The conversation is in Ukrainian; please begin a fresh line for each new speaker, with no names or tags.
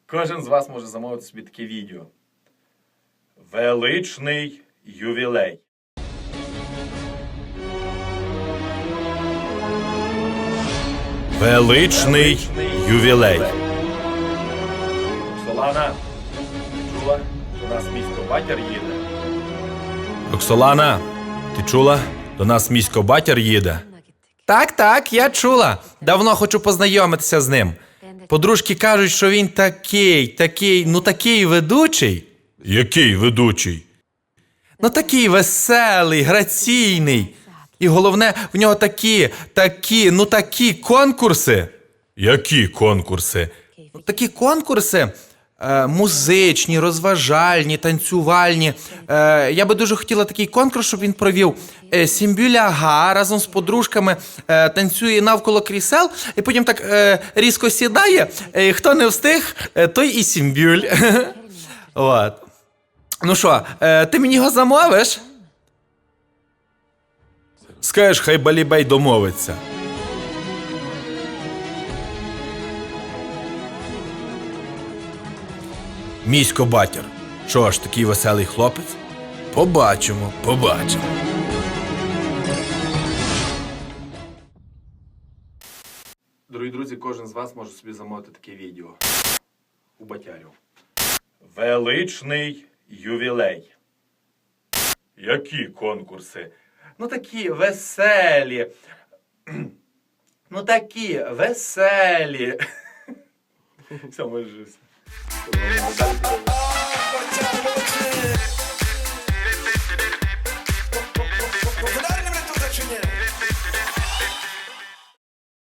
Кожен з вас може замовити собі таке відео. Величний ювілей. Величний ювілей. Роксолана, ти чула? До нас місько батір їде. Роксолана, ти чула? До нас місько батір їде. Так, я чула. Давно хочу познайомитися з ним. Подружки кажуть, що він такий ведучий. Який ведучий? Ну такий веселий, граційний. І головне, в нього такі конкурси. Які конкурси? Такі конкурси музичні, розважальні, танцювальні. Я би дуже хотіла такий конкурс, щоб він провів. Сімбюля-га разом з подружками танцює навколо крісел, і потім так різко сідає. Хто не встиг, той і сімбюль. От. Ну що, ти мені його замовиш? Скажеш, хай Балібей домовиться. Місько батір. Що ж, такий веселий хлопець? Побачимо. Дорогі друзі, кожен з вас може собі замовити таке відео. У батярів. Величний ювілей. Які конкурси? Ну такі веселі. Все, може.